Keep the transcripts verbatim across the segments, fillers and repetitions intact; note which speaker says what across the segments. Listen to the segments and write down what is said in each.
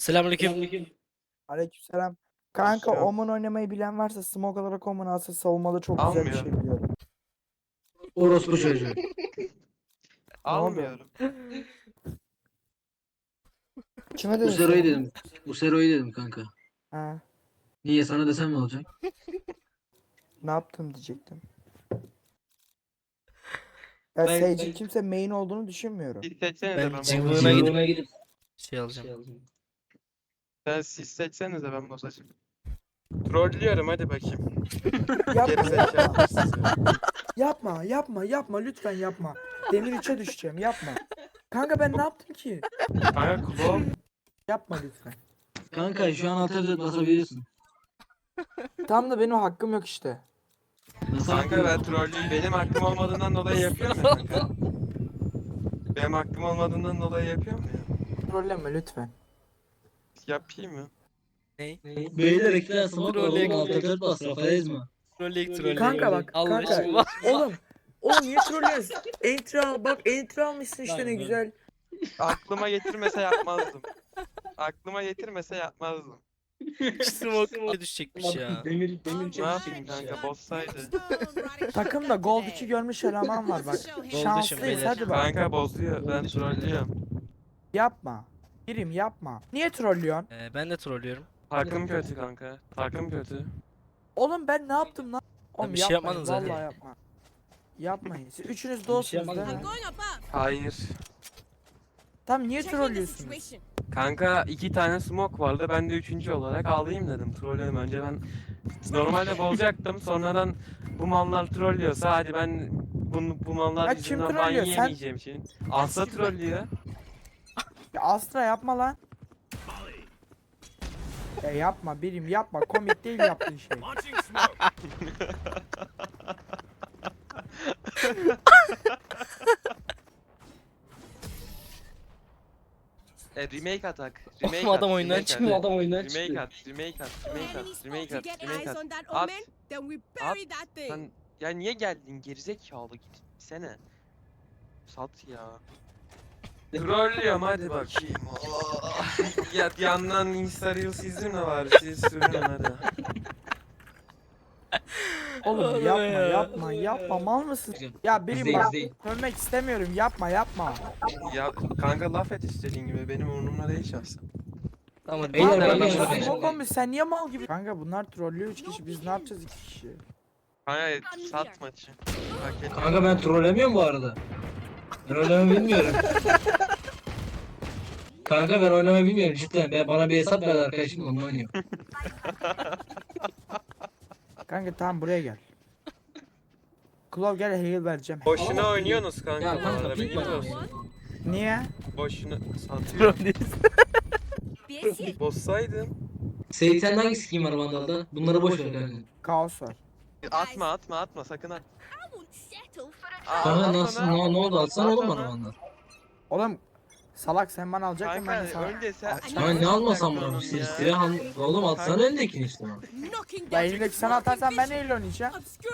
Speaker 1: Selamünaleyküm.
Speaker 2: Aleykümselam. Kanka
Speaker 3: Selam.
Speaker 2: Omen oynamayı bilen varsa smoke olarak Omen alsa savunmada çok güzel bir
Speaker 3: Almıyor.
Speaker 2: şey biliyorum.
Speaker 4: Orospu çocuğu.
Speaker 3: Almıyorum.
Speaker 2: Kime dedin
Speaker 4: Usero'yu
Speaker 2: sen?
Speaker 4: dedim. Usero'yu dedim kanka.
Speaker 2: Ha,
Speaker 4: Niye sana desem ne olacak?
Speaker 2: ne yaptım diyecektim. Ya
Speaker 1: Ben-
Speaker 2: Sage'in kimse main olduğunu düşünmüyorum.
Speaker 3: Siz seçsenize
Speaker 1: Ben
Speaker 3: ben,
Speaker 1: cıvığına
Speaker 3: bozacağım.
Speaker 1: gidip-
Speaker 4: Cıvığına gidip
Speaker 1: Şey alacağım.
Speaker 3: Ben siz seçsenize ben bozacağım. Trollüyorum hadi bakayım.
Speaker 2: Yapma,
Speaker 3: Geri
Speaker 2: yapma,
Speaker 3: zekalı sizi.
Speaker 2: yapma, yapma, yapma, lütfen yapma. Demir üçe düşeceğim, yapma. Kanka ben ne yaptım ki?
Speaker 3: Kanka kulağım.
Speaker 2: Yapma lütfen.
Speaker 4: Kanka şu an altı basabilirsin.
Speaker 2: Tam da benim hakkım yok işte.
Speaker 4: Nasıl
Speaker 3: Kanka ben trollüyüm. Benim hakkım olmadığından dolayı yapıyorum ya kanka. Benim hakkım olmadığından dolayı yapıyorum ya.
Speaker 2: Trolleme lütfen.
Speaker 3: Yapayım mı?
Speaker 1: Ney?
Speaker 4: Beyler ekler smoke
Speaker 1: Trolley-
Speaker 4: oğlum altı dört bas Rafael mi?
Speaker 1: Trolleyik trolleyik.
Speaker 2: Kanka bak,
Speaker 1: Allah
Speaker 2: kanka.
Speaker 1: aşkına.
Speaker 2: Oğlum, oğlum niye trollüyorsun? Entry al, bak entry almışsın işte ne güzel.
Speaker 3: Aklıma getirmese yapmazdım. Aklıma getirmese yapmazdım.
Speaker 1: Smoke düşecekmiş ya.
Speaker 4: Demir
Speaker 3: Ne yapayım kanka bozsaydı.
Speaker 2: Takımda Gold iki görmüş eleman var bak.
Speaker 1: Gold
Speaker 2: Şanslıyız
Speaker 1: beyler.
Speaker 2: hadi bak.
Speaker 3: Kanka bozuyor. Ben trollüyorum.
Speaker 2: Yapma. Birim yapma. Niye trollüyorsun?
Speaker 1: Ee, ben de trollüyorum.
Speaker 3: Takım kötü kanka. Takım kötü.
Speaker 2: Oğlum ben ne yaptım lan? Oğlum
Speaker 1: bir şey
Speaker 2: yapmayın,
Speaker 1: yapmadın zaten.
Speaker 2: Vallahi yapma. Yapmayın. Siz üçünüz
Speaker 4: şey
Speaker 2: dostsunuz
Speaker 4: yapmadın
Speaker 2: değil mi?
Speaker 4: mı?
Speaker 3: Hayır.
Speaker 2: Tam niye trollüyorsunuz?
Speaker 3: Kanka iki tane smoke vardı. Ben de üçüncü olarak alayım dedim. Trolledim. Önce ben normalde bozacaktım. Sonradan bu mallar trollüyorsa hadi ben bu, bu mallar
Speaker 2: Ya kim
Speaker 3: yüzünden ban
Speaker 2: trollüyor? Sen-
Speaker 3: yiyemeyeceğim için. Asla trollüyor.
Speaker 2: Ya Astra yapma lan. Ya yapma birim yapma. Komik değil yaptığın şey.
Speaker 3: E remake atak. Remake
Speaker 1: Oğlum adam
Speaker 3: at,
Speaker 1: oyundan
Speaker 3: remake at.
Speaker 1: çıkmıyor.
Speaker 4: Adam oyundan
Speaker 3: Remake
Speaker 4: çıktı.
Speaker 3: at, remake at, remake at, remake at, remake at. At.
Speaker 5: At.
Speaker 3: At. Sen ya niye geldin gerizekalı gitsene. Sat ya. Trollüyorum hadi bakayım. Oh. Ya yandan Insta Reels izin de var. Siz sürün hadi.
Speaker 2: Oğlum
Speaker 1: Oğlum
Speaker 2: yapma
Speaker 1: ya.
Speaker 2: yapma yapma mal mısın? Ya birim
Speaker 4: İzleyin,
Speaker 2: bak
Speaker 4: izleyin.
Speaker 2: ölmek istemiyorum yapma yapma.
Speaker 3: Ya kanka laf et istediğin gibi benim umurumda değil şahsen.
Speaker 1: Tamam.
Speaker 4: Beyler,
Speaker 1: Beyler,
Speaker 4: ben
Speaker 1: ben
Speaker 4: de-
Speaker 1: ben-
Speaker 2: Smoke olmuş sen niye mal gibi? Kanka bunlar trollüyor üç kişi biz ne yapacağız iki kişi?
Speaker 3: Kanka sat maçı. Hak et.
Speaker 4: Kanka ben trollemiyorum bu arada. Ben oynamayı bilmiyorum. Kanka ben oynamayı bilmiyorum cidden. Ben, bana bir hesap verdi arkadaşım onunla oynuyor.
Speaker 2: Kanka tamam buraya gel. Klov gel heal vereceğim.
Speaker 3: Boşuna oynuyorsunuz kanka.
Speaker 4: Ya
Speaker 3: bu
Speaker 4: kanka
Speaker 3: arada,
Speaker 4: pink
Speaker 3: bilginiz
Speaker 4: var.
Speaker 3: olsun.
Speaker 2: Niye?
Speaker 3: Boşuna satıyor.
Speaker 5: Yes.
Speaker 3: Bozsaydın.
Speaker 4: Seyit sende hangi skin var Vandal'da? Bunları boş ver kanka.
Speaker 2: Kaos var.
Speaker 3: Atma atma atma sakın at. Aa,
Speaker 4: Kanka
Speaker 3: at
Speaker 4: nasıl
Speaker 3: ona.
Speaker 4: ne, ne oldu atsana
Speaker 3: At
Speaker 4: oğlum
Speaker 3: ona.
Speaker 4: bana Vandal.
Speaker 2: Oğlum salak sen bana alacaktın ben de
Speaker 3: Kanka
Speaker 2: sana.
Speaker 3: önce sen.
Speaker 4: Kanka ne almasam bunu? Sil silah al. Oğlum atsana eldekini işte bana.
Speaker 2: Ya elindeki sana atarsan ben neyle oynayacağım?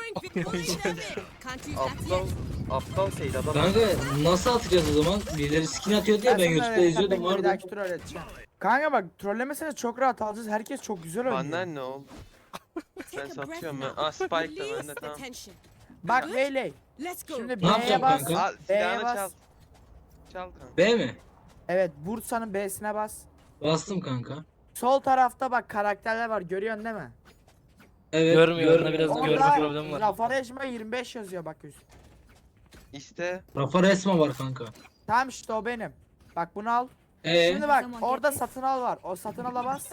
Speaker 3: Aptal. Aptal şeydi adam.
Speaker 4: Kanka nasıl atacağız o zaman? Birileri skin atıyor diye ben
Speaker 2: sana
Speaker 4: YouTube'da
Speaker 2: öğreteceğim,
Speaker 4: izliyordum
Speaker 2: bekle, bir
Speaker 4: vardı.
Speaker 2: dahaki tur öğreteceğim. Kanka bak trollemesene çok rahat alacağız. Herkes çok güzel oynuyor.
Speaker 3: Benden ne oldu? Ben satıyorum ben. Aa Spike da bende tamam.
Speaker 2: Bak Veyley.
Speaker 5: Let's go.
Speaker 2: Şimdi
Speaker 4: Ne yapacağım
Speaker 2: B'ye bas.
Speaker 4: kanka?
Speaker 3: Al
Speaker 2: B'ye
Speaker 3: silahını
Speaker 2: bas.
Speaker 3: çal. Çal kanka.
Speaker 4: B mi?
Speaker 2: Evet Bursa'nın B'sine bas.
Speaker 4: Bastım kanka.
Speaker 2: Sol tarafta bak karakterler var görüyorsun değil mi?
Speaker 4: Evet.
Speaker 1: Görmüyor,
Speaker 4: görmüyorum.
Speaker 1: onda biraz
Speaker 2: Orada
Speaker 1: görme problemi var.
Speaker 2: Rafa Rejma yirmi beş yazıyor bak üst.
Speaker 3: İşte.
Speaker 4: Rafa resme var kanka.
Speaker 2: Tamam işte o benim. Bak bunu al.
Speaker 4: Ee,
Speaker 2: Şimdi bak orada satın al var. O satın ala bas.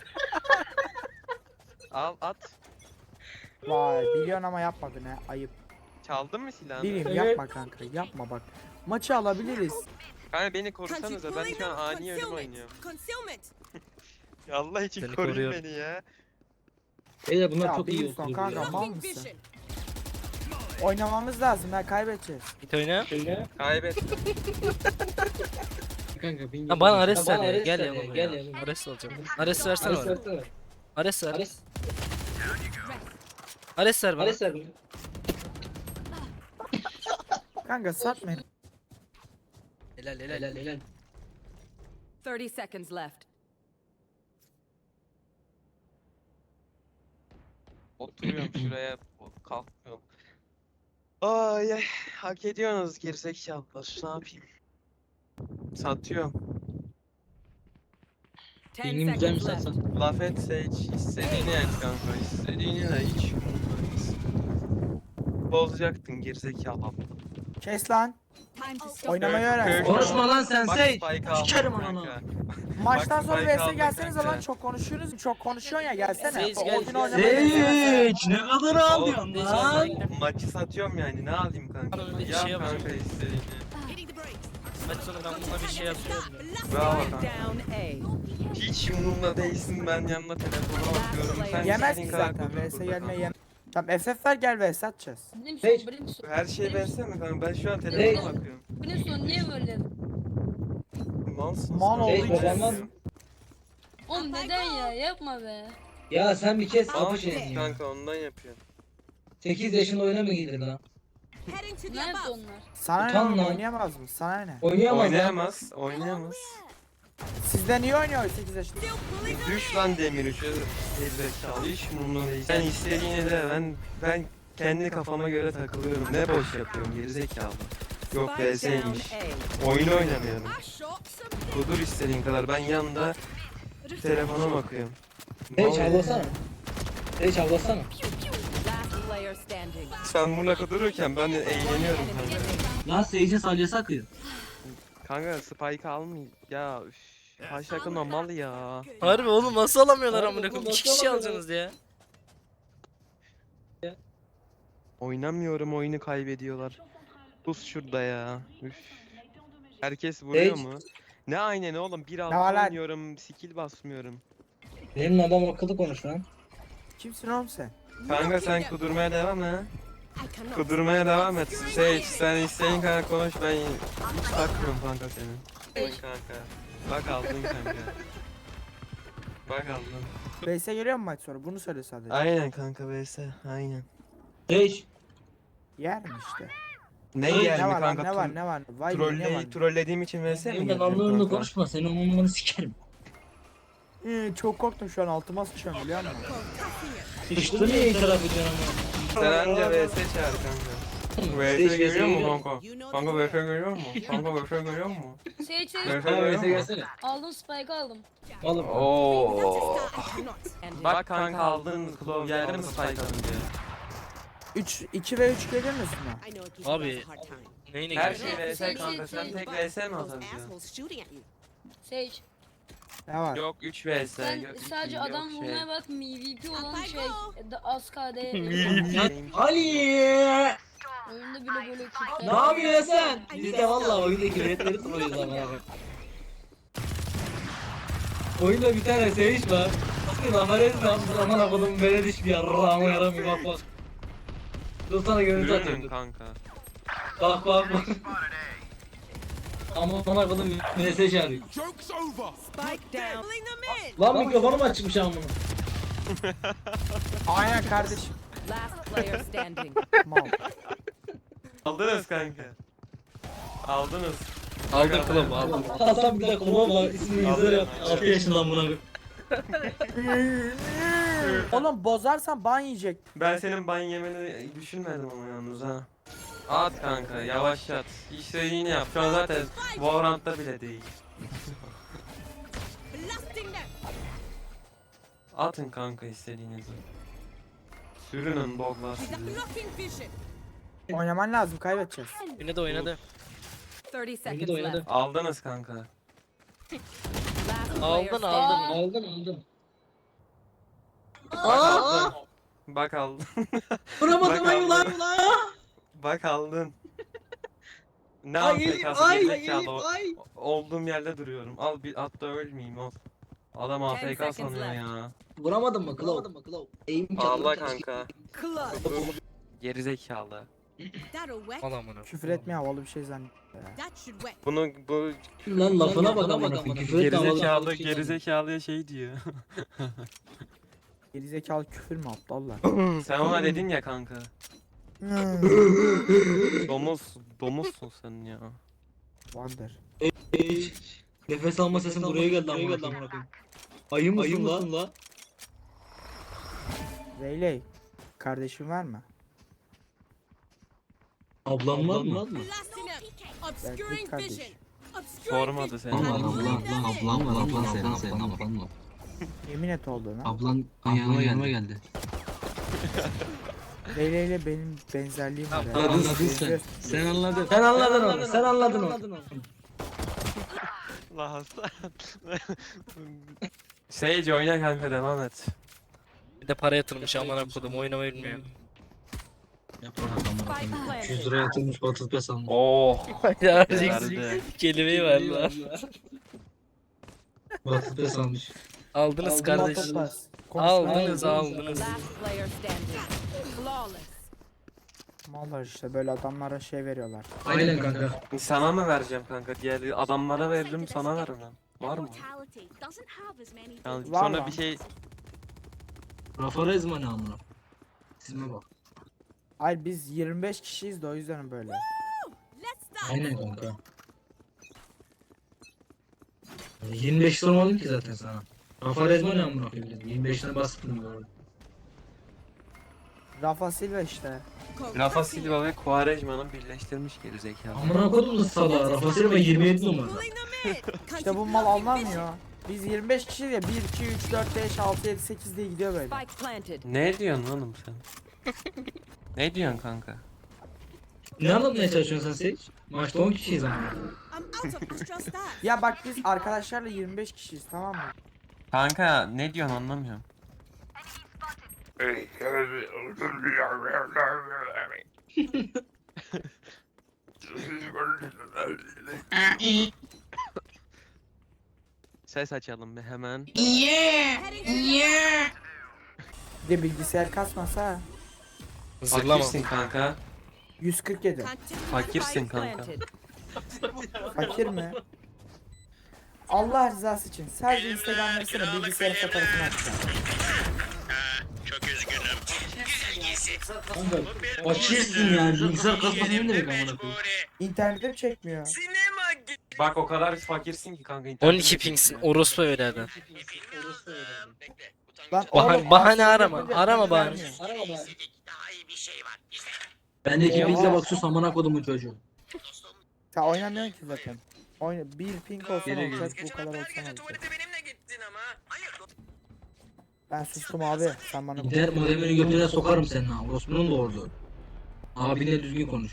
Speaker 3: Al at.
Speaker 2: Vay biliyorsun ama yapmadın ha ayıp.
Speaker 3: Çaldın mı silahını?
Speaker 2: Bileyim
Speaker 4: Evet.
Speaker 2: yapma kanka yapma bak. Maçı alabiliriz.
Speaker 3: Kanka beni korusanıza ben şu an ani ölüm oynuyorum.
Speaker 5: Concealment.
Speaker 3: Ya Allah için
Speaker 1: Seni
Speaker 3: koruyun
Speaker 1: koruyorum.
Speaker 3: beni ya.
Speaker 4: beyler bunlar
Speaker 2: Ya
Speaker 4: çok iyi
Speaker 2: Wilson
Speaker 4: oturuyor.
Speaker 2: kanka
Speaker 4: ya.
Speaker 2: mal
Speaker 5: Blocking
Speaker 2: mısın?
Speaker 5: vision.
Speaker 2: Oynamamız lazım ha kaybedeceğiz.
Speaker 1: Git oyna.
Speaker 3: Kaybettim.
Speaker 4: Kanka bin
Speaker 1: Lan bana
Speaker 4: Ya
Speaker 1: Ares ver
Speaker 4: bana
Speaker 1: ya.
Speaker 4: Ares
Speaker 1: Gel
Speaker 4: ver
Speaker 1: yanıma
Speaker 4: Gel
Speaker 1: ya.
Speaker 4: yanıma.
Speaker 1: Ares alacağım. Ares versene
Speaker 4: Ares
Speaker 1: bana.
Speaker 4: versene.
Speaker 1: Ares ver.
Speaker 4: Ares.
Speaker 1: Ares ver bana.
Speaker 4: Ares ver.
Speaker 2: Kanka satma.
Speaker 1: Helal helal.
Speaker 4: Helal helal.
Speaker 5: thirty seconds left.
Speaker 3: Oturuyorum şuraya kalkmıyorum. Ay ay hak ediyorsunuz gerizekalılar. Ne yapayım? Satıyorum.
Speaker 5: Ten
Speaker 4: Pingim güzel mi
Speaker 5: seconds left.
Speaker 4: satsan?
Speaker 3: Laf etse hiç istediğini et kanka. İstediğini de hiç umurumdayız. Bozacaktın gerizekalı aptal.
Speaker 2: Kes lan.
Speaker 5: Time to stop.
Speaker 2: Oynamayı
Speaker 3: Kör-
Speaker 2: öğren.
Speaker 3: kör-
Speaker 4: Konuşma lan sen
Speaker 3: Bak
Speaker 4: Sage.
Speaker 3: spike aldım
Speaker 4: Sikerim
Speaker 3: kanka.
Speaker 4: ananı.
Speaker 2: Maçtan
Speaker 3: Bak,
Speaker 2: sonra
Speaker 3: spike
Speaker 2: V S
Speaker 3: aldım
Speaker 2: gelsenize
Speaker 3: kanka.
Speaker 2: lan, çok konuşuyorsunuz. Çok konuşuyorsun ya, gelsene.
Speaker 1: Sage
Speaker 2: O
Speaker 1: gel.
Speaker 2: oyunu oynamayı öğrensene.
Speaker 4: Sage ne kadar ağlıyorsun
Speaker 1: Oğlum,
Speaker 4: lan?
Speaker 3: Maçı satıyorum yani ne alayım kanka.
Speaker 1: Abi bir
Speaker 3: Yap
Speaker 1: şey yapacağım.
Speaker 3: kanka istediğini.
Speaker 5: Hitting the brakes.
Speaker 1: Maç sonu ben buna bir şey yapıyorum ya.
Speaker 3: Bravo
Speaker 5: Spike
Speaker 3: kanka.
Speaker 5: down A.
Speaker 3: Hiç umurumda değilsin, ben yanına telefona bakıyorum. Sen
Speaker 2: Yemez
Speaker 3: istediğin
Speaker 2: ki
Speaker 3: kadar
Speaker 2: zaten.
Speaker 3: konuş
Speaker 2: V S
Speaker 3: burada
Speaker 2: gelme
Speaker 3: kanka.
Speaker 2: yem. Tamam F F ver, gel V S atacağız.
Speaker 6: Brimstone,
Speaker 4: Sage.
Speaker 6: Brimstone.
Speaker 3: Her şeyi versene kanka, ben şu an
Speaker 4: Hey.
Speaker 3: telefona bakıyorum.
Speaker 6: Brimstone niye böyle?
Speaker 3: Malsın.
Speaker 2: Mal
Speaker 3: sen.
Speaker 2: olduğu
Speaker 4: Hey,
Speaker 2: için.
Speaker 4: babamlar-
Speaker 6: Oğlum neden ya? Yapma be.
Speaker 4: Ya sen bir kes kapı
Speaker 3: Malsın
Speaker 4: şeyini.
Speaker 3: kanka, ondan yapıyorsun.
Speaker 4: sekiz yaşında oyuna mı girdin lan?
Speaker 5: Heading to the
Speaker 6: Nerede
Speaker 5: above.
Speaker 6: onlar?
Speaker 2: Sana ne
Speaker 4: Utan
Speaker 2: oğlum,
Speaker 4: lan.
Speaker 2: oynayamaz mı? Sana ne?
Speaker 4: Oynayamaz lan.
Speaker 3: Oynayamaz, oynayamaz.
Speaker 2: Sizden iyi oynuyor sekiz yaşında.
Speaker 5: Still pulling the
Speaker 3: Düş lan demir üçe gerizekalı, hiç umurumda değil. Sen istediğini de ben ben kendi kafama göre takılıyorum. Ne boş yapıyorum gerizekalı. Yok
Speaker 5: Spike
Speaker 3: V S'ymiş.
Speaker 5: down A.
Speaker 3: Oyun oynamıyorum.
Speaker 5: I shot some.
Speaker 3: Kudur istediğin kadar, ben yanında telefona bakıyorum.
Speaker 4: Sage
Speaker 3: Mal-
Speaker 4: havlasana. Sage havlasana.
Speaker 5: Last player standing.
Speaker 3: Sen burada kudururken ben de eğleniyorum kanka.
Speaker 4: Lan Sage'in salyası akıyor.
Speaker 3: Kanka spike almayayım. Ya üf. Kaç takım mal ya.
Speaker 1: Harbi oğlum nasıl alamıyorlar
Speaker 4: Harbi
Speaker 1: amına
Speaker 4: oğlum,
Speaker 1: koyayım?
Speaker 4: nasıl
Speaker 1: İki kişi
Speaker 4: alamıyorlar?
Speaker 1: alacaksınız ya.
Speaker 3: Oynamıyorum, oyunu kaybediyorlar. Pus şurada ya. Üf. Herkes vuruyor
Speaker 4: Sage.
Speaker 3: mu? Ne aynen oğlum, bir altı
Speaker 2: var lan?
Speaker 3: oynuyorum, skill basmıyorum.
Speaker 4: Benim adam akıllı konuş lan.
Speaker 2: Kimsin oğlum sen?
Speaker 3: Kanka sen kudurmaya devam et.
Speaker 5: I cannot.
Speaker 3: Kudurmaya devam et. Sage sen istediğin kadar konuş, ben hiç takmıyorum kanka senin. Oyun kanka. Bak aldın kanka. Bak aldın.
Speaker 2: V S geliyor mu maç sonra? Bunu söyle sadece.
Speaker 3: Aynen kanka V S aynen.
Speaker 4: Sage.
Speaker 2: Yer mi işte?
Speaker 3: Ne
Speaker 4: Ay,
Speaker 3: yer
Speaker 2: Ne
Speaker 3: mi
Speaker 2: var lan,
Speaker 3: kanka?
Speaker 2: ne var ne var? Vay be, ne var?
Speaker 3: Trolle, trollediğim için V S mi
Speaker 4: Benim
Speaker 3: geldim
Speaker 4: anlarını
Speaker 3: kanka?
Speaker 4: konuşma. Senin umurunu sikerim.
Speaker 2: Ee, çok korktum şu an, altıma sıçıyorum biliyor musun?
Speaker 4: Sıçtı niye itiraf ediyorsun ama?
Speaker 3: Sen anca V S çağır kanka. V S görüyor mu kanka?
Speaker 5: You know
Speaker 3: Kanka
Speaker 5: the
Speaker 3: V S
Speaker 5: drill.
Speaker 3: görüyor mu? Kanka V S görüyor mu?
Speaker 6: Sage Sage.
Speaker 3: V S
Speaker 4: Ha
Speaker 3: görüyor
Speaker 4: öyleyse
Speaker 3: mu?
Speaker 4: gelsene.
Speaker 6: Aldım spike aldım.
Speaker 4: Oğlum.
Speaker 3: Oo.
Speaker 5: I cannot. And
Speaker 3: Bak kanka aldın Klov, geldi mi spike alınca?
Speaker 2: üç iki ve üç gelir misin ha?
Speaker 5: I know it gives you
Speaker 1: Abi.
Speaker 5: guys a hard time.
Speaker 1: Neyine
Speaker 3: Her
Speaker 1: gidiyor?
Speaker 3: şey V S kanka, sen tek V S mi
Speaker 5: Those
Speaker 3: alacaksın?
Speaker 5: assholes shooting at you.
Speaker 6: Sage.
Speaker 2: Ne var?
Speaker 3: Yok üç V S.
Speaker 6: Sen
Speaker 3: yok iki,
Speaker 6: sadece
Speaker 3: yok
Speaker 6: adam
Speaker 3: şey.
Speaker 6: vurmaya bak, M V P olan
Speaker 5: Apay
Speaker 6: şey.
Speaker 5: go.
Speaker 6: Da az K D.
Speaker 4: Ali!
Speaker 6: Oyunda bile böyle Türkler.
Speaker 4: Ne yapıyorsun sen? Biz de valla oyundaki biletleri tutuyoruz ama abi. Oyunda bir tane Sage var. Bir lafaret yapmış, aman akıllım böyle diş bir yarrağıma yaramıyor, bak bak. Dur sana görüntü
Speaker 3: Görüyorum
Speaker 4: atayım dur.
Speaker 3: kanka.
Speaker 4: Bak bak bak. Aman akıllım mesaj arıyor.
Speaker 5: Spike down. Pulling them in.
Speaker 4: Lan mikrofonum açmış ama bunu.
Speaker 2: Aynen kardeşim.
Speaker 5: Last player standing.
Speaker 2: Mal.
Speaker 3: Aldınız kanka. Aldınız.
Speaker 1: Aldım kulübü aldım.
Speaker 4: Hasan bir de kulübe var, ismini yüzüne yap. altı yaşından buna.
Speaker 2: Oğlum bozarsan ban yiyecek.
Speaker 3: Ben senin ban yemeni düşünmedim ama yalnız ha. At kanka, yavaş at. İstediğini yap. Şu an zaten Valorant'ta bile değil.
Speaker 5: Blasting them.
Speaker 3: Atın kanka istediğinizi. Sürünün boglar
Speaker 5: He's
Speaker 3: sizi.
Speaker 5: blocking vision.
Speaker 2: Oynaman lazım, kaybedeceğiz.
Speaker 1: Yine de oynadı.
Speaker 5: thirty
Speaker 4: Oyunu
Speaker 5: seconds
Speaker 4: da oynadı.
Speaker 5: left.
Speaker 3: Aldınız kanka.
Speaker 5: Last player
Speaker 1: Aldın
Speaker 5: standing.
Speaker 1: aldın.
Speaker 4: Aldım aldım.
Speaker 3: Bak aldın. Bak aldın.
Speaker 4: Vuramadım
Speaker 3: Bak
Speaker 4: ay ulan
Speaker 3: aldın.
Speaker 4: ulan.
Speaker 3: Bak aldın. Ne
Speaker 4: Ay
Speaker 3: al
Speaker 4: elim
Speaker 3: pekası
Speaker 4: ay
Speaker 3: gerizekalı.
Speaker 4: elim ay.
Speaker 3: Olduğum yerde duruyorum. Al bir at da ölmeyeyim al. Adam A F K
Speaker 5: seconds
Speaker 3: sanıyor
Speaker 5: left.
Speaker 3: ya.
Speaker 4: Vuramadın mı Claw? Vuramadın mı Claw? Eğim
Speaker 3: Allah kanka.
Speaker 5: Clutch.
Speaker 3: Gerizekalı.
Speaker 5: That'll wet.
Speaker 1: Al amına.
Speaker 2: Küfür etme, havalı bir şey zannet.
Speaker 5: That should wet.
Speaker 3: Bunu bu
Speaker 4: Lan lafına bak amına koyayım. Küfür etme
Speaker 3: gerizekalı
Speaker 4: vallahi.
Speaker 3: gerizekalıya şey diyor.
Speaker 2: Gerizekalı küfür mü aptallar?
Speaker 3: Sen ona dedin ya kanka. Domuz, domuzsun sen ya.
Speaker 2: Wonder.
Speaker 4: Nefes alma sesin buraya geldi amına koyayım. Ayı mısın la?
Speaker 2: Reyley. Kardeşin var mı?
Speaker 4: Ablam var mı?
Speaker 5: Blasting him. Obscuring
Speaker 2: kardeş.
Speaker 5: vision. Obscuring
Speaker 3: Sormadı
Speaker 5: vision.
Speaker 3: seni.
Speaker 7: Ablan var ablan ablan ablan var ablan senin senin ablan var.
Speaker 2: Yemin et olduğuna.
Speaker 7: Ablan yanıma yanıma geldi.
Speaker 2: Leyla ile benim benzerliğim var.
Speaker 7: Anladın
Speaker 2: yani.
Speaker 7: sen.
Speaker 2: Benziyoruz.
Speaker 7: Sen anladın.
Speaker 4: Sen anladın onu. Sen anladın onu.
Speaker 3: La Hasan. Sage oyna kanka devam et.
Speaker 1: Bir de para yatırmış amına kodum oynamayı bilmiyor.
Speaker 7: Yapma adamlar.
Speaker 5: Spike planted.
Speaker 7: yüz lira yatırmış otuz beş almış.
Speaker 3: Oh.
Speaker 1: Ya
Speaker 3: Verdi.
Speaker 1: kelimeyi ver lan.
Speaker 7: otuz beş almış.
Speaker 1: Aldınız kardeş.
Speaker 2: Motopaz.
Speaker 1: Aldınız
Speaker 2: Konuşmaya-
Speaker 1: aldınız.
Speaker 5: Last player standing. Flawless.
Speaker 2: Mallar işte böyle adamlara şey veriyorlar.
Speaker 7: Aynen kanka.
Speaker 3: Sana mı vereceğim kanka? Diğer adamlara veririm sana vermem. Var mı? Yani
Speaker 2: Var
Speaker 3: sonra
Speaker 2: lan.
Speaker 3: bir şey
Speaker 7: Rafa Rezma ne amına? Sizime bak.
Speaker 2: Hayır biz yirmi beş kişiyiz de o yüzden böyle.
Speaker 5: Let's start.
Speaker 7: Aynen kanka. yirmi beş sormadım ki zaten sana. Rafa Rezma ne amına koyayım? yirmi beşine bastım böyle.
Speaker 2: Rafa Silva işte.
Speaker 3: Rafa Silva ve Quaresma'nın birleştirmiş gerizekalı.
Speaker 7: Amına koydum da sala. Rafa Silva yirmi yedi numara.
Speaker 5: Pulling them in.
Speaker 2: İşte bu mal anlamıyor. Biz yirmi beş kişiyiz ya bir, iki, üç, dört, beş, altı, yedi, sekiz diye gidiyor böyle.
Speaker 5: Spike planted.
Speaker 3: Ne diyorsun oğlum sen? Ne diyorsun kanka?
Speaker 7: Ne anlatmaya çalışıyorsun sen Sage? Maçta on kişiyiz ama.
Speaker 5: I'm out of astral stats.
Speaker 2: Ya bak biz arkadaşlarla yirmi beş kişiyiz tamam mı?
Speaker 3: Kanka ne diyorsun anlamıyorum. Ses açalım bir hemen.
Speaker 5: Heading to the
Speaker 2: Bir de bilgisayar kasmasa
Speaker 1: Zırlama.
Speaker 3: Fakirsin kanka.
Speaker 2: yüz kırk yedi.
Speaker 5: Continue.
Speaker 3: Fakirsin
Speaker 5: Spike
Speaker 3: kanka.
Speaker 5: planted.
Speaker 2: Fakir mi? Allah rızası için sadece Instagram versene bilgisayarın fotoğrafını atacağım.
Speaker 7: Kanka fakirsin yani. Bilgisayar kasması ne demek amına koyayım?
Speaker 2: İnternetim çekmiyor.
Speaker 3: Bak o kadar fakirsin ki kanka.
Speaker 1: on
Speaker 3: internet
Speaker 1: iki pingsin. Orospu evladı.
Speaker 2: Lan
Speaker 1: Bahane-
Speaker 2: oğlum,
Speaker 1: bahane
Speaker 2: aslında
Speaker 1: arama,
Speaker 2: bir-
Speaker 1: arama
Speaker 2: bir
Speaker 1: bahane.
Speaker 2: vermiyor.
Speaker 7: Bendeki bilgisayar bak sus amına kodumun çocuğu.
Speaker 2: Sen oynamıyorsun ki zaten. Oyna bir ping olsa
Speaker 7: Geliyor,
Speaker 2: olacak bu kadar olsa olacak. Ben sustum abi. Sen bana
Speaker 7: İnternet modemini götüne sokarım senin ha. Orospu'nun da orada. Abinle düzgün konuş.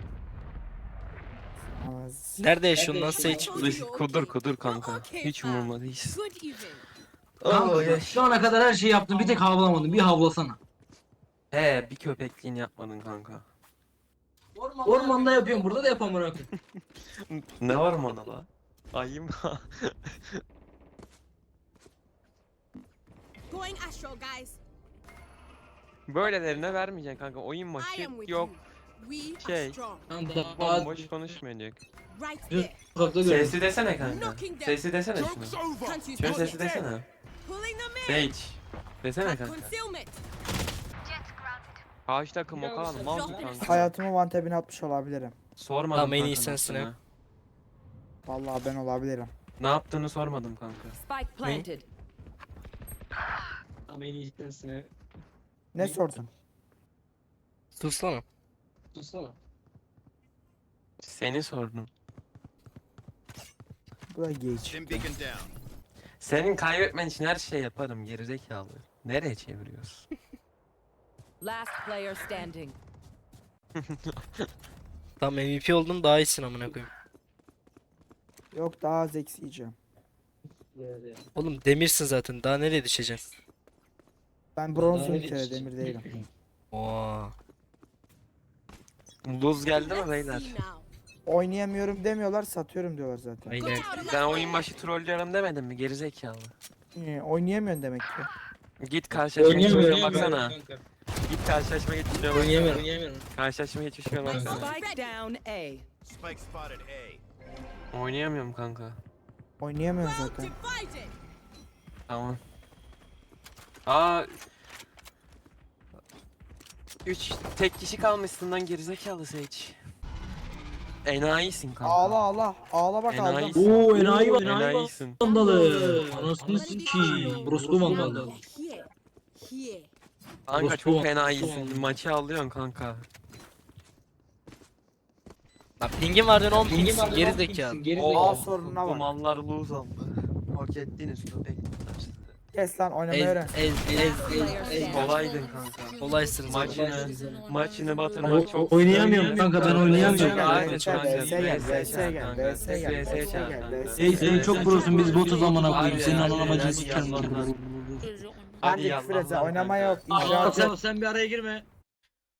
Speaker 2: Ağız-
Speaker 1: Nerede yaşıyorsun lan Sage?
Speaker 3: Kudur kudur kanka. Hiç umurumda değil.
Speaker 5: Good evening.
Speaker 7: Kanka şu ana kadar her şeyi yaptın bir tek havlamadın. Bir havlasana.
Speaker 3: He bir köpekliğini yapmadın kanka.
Speaker 7: Ormanda yapıyorum burada da yapamam amına koyayım.
Speaker 3: Ne var mı ona la? Ayım.
Speaker 5: Going astral, guys.
Speaker 3: Böylelerine vermeyeceksin kanka. Oyun
Speaker 5: I
Speaker 3: maçı
Speaker 5: am with
Speaker 3: yok.
Speaker 5: you. We
Speaker 3: Şey.
Speaker 5: are strong.
Speaker 7: Lan daha
Speaker 3: Bomboş konuşmayacak.
Speaker 5: Right
Speaker 7: düz
Speaker 5: there.
Speaker 7: sokakta görüyorum.
Speaker 3: Sesi desene kanka. Sesi desene şunu.
Speaker 5: Can't use
Speaker 3: Şöyle
Speaker 5: bullets.
Speaker 3: sesi desene.
Speaker 5: Pulling them in.
Speaker 3: Sage. Desene
Speaker 5: Cut
Speaker 3: kanka.
Speaker 5: concealment.
Speaker 3: Karşı takım o kadar mal mı kanka?
Speaker 2: Hayatımı one tap'ine atmış olabilirim.
Speaker 3: Sormadım
Speaker 1: Tamam, en
Speaker 3: kanka
Speaker 1: iyi sensin
Speaker 3: ne
Speaker 1: ha.
Speaker 3: yaptığını.
Speaker 2: Vallahi ben olabilirim.
Speaker 3: Ne yaptığını sormadım kanka.
Speaker 5: Spike planted.
Speaker 4: Ama en iyi sensin.
Speaker 2: Ne sordun?
Speaker 1: Sussana.
Speaker 4: Tutsana.
Speaker 3: Seni sordum.
Speaker 2: Bu da geç.
Speaker 3: Senin kaybetmen için her şey yaparım gerizekalı. Nereye çeviriyorsun?
Speaker 5: Last player standing.
Speaker 1: Tamam M V P oldun daha iyisin amına koyayım.
Speaker 2: Yok daha az eksi yiyeceğim.
Speaker 1: Oğlum demirsin zaten daha nereye düşeceksin?
Speaker 2: Ben bronzum
Speaker 4: Daha
Speaker 2: bir kere
Speaker 4: ne
Speaker 2: demir değilim.
Speaker 1: Oo.
Speaker 3: Luz geldi mi
Speaker 5: Let's
Speaker 3: beyler?
Speaker 5: see now.
Speaker 2: Oynayamıyorum demiyorlar satıyorum diyorlar zaten.
Speaker 1: Aynen.
Speaker 3: Ben oyun başı trollüyorum demedim mi gerizekalı?
Speaker 2: Ee, oynayamıyorsun demek ki.
Speaker 3: Git karşılaşma
Speaker 4: Oynayamıyorum.
Speaker 3: geçmişine baksana. Git karşılaşma geçmişine baksana.
Speaker 4: Oynayamıyorum. Oynayamıyorum.
Speaker 3: Karşılaşma geçmişine baksana.
Speaker 5: Spike down A.
Speaker 8: Spike spotted A.
Speaker 3: Oynayamıyorum kanka.
Speaker 2: Oynayamıyorum
Speaker 5: Well
Speaker 2: zaten.
Speaker 5: divided.
Speaker 3: Tamam. Aa. Üç tek kişi kalmışsın lan gerizekalı Sage. Enayisin kanka.
Speaker 2: Ağla ağla. Ağla bak aldım.
Speaker 3: Enayisin.
Speaker 7: Oo enayi var enayi var.
Speaker 3: Enayisin.
Speaker 7: Vandalı. Anasını sikiyim. Broslu vandalı.
Speaker 5: Here. Here.
Speaker 3: Kanka
Speaker 7: Orospu
Speaker 3: çok
Speaker 7: var.
Speaker 3: fena iyisin. Maçı alıyorsun kanka.
Speaker 1: Lan pingin var diyorsun on
Speaker 7: Pingin
Speaker 1: pingsin
Speaker 7: var,
Speaker 1: geri
Speaker 7: on
Speaker 1: zekalı.
Speaker 7: pingsin, geri
Speaker 3: Oo,
Speaker 7: zekalı.
Speaker 2: Aa, sorununa
Speaker 3: bu
Speaker 2: bak.
Speaker 3: mallar lose aldı. Hak ettiğiniz köpekler sizi.
Speaker 2: Kes lan oynamayı
Speaker 1: Ez
Speaker 2: öğren.
Speaker 1: ez ez ez ez.
Speaker 3: Kolaydın kanka.
Speaker 1: Kolaysın
Speaker 3: Maçını, maçını
Speaker 7: Ama
Speaker 3: batırmak çok...
Speaker 7: oynayamıyorum kanka, ben oynayamıyorum.
Speaker 3: Aynen
Speaker 2: V S gel,
Speaker 3: kanka.
Speaker 2: V S gel, V S
Speaker 3: çağır
Speaker 2: gel,
Speaker 3: kanka.
Speaker 2: V S gel,
Speaker 3: V S
Speaker 2: V S
Speaker 3: çağır
Speaker 2: gel,
Speaker 3: kanka.
Speaker 2: V S
Speaker 7: Ey sen çok prosun, biz botuz amına koyayım.
Speaker 3: Hadi
Speaker 7: Senin
Speaker 3: ya,
Speaker 7: anan
Speaker 3: hadi
Speaker 7: amacını
Speaker 3: ya,
Speaker 7: sikerim
Speaker 3: hadi
Speaker 7: lan.
Speaker 3: ya.
Speaker 2: Hadi
Speaker 3: Hadi
Speaker 2: küfür et,
Speaker 3: yallah lan
Speaker 2: oynama
Speaker 3: kanka.
Speaker 2: yok,
Speaker 7: Aa,
Speaker 2: icraat
Speaker 7: sen,
Speaker 2: yok.
Speaker 7: sen bir araya girme.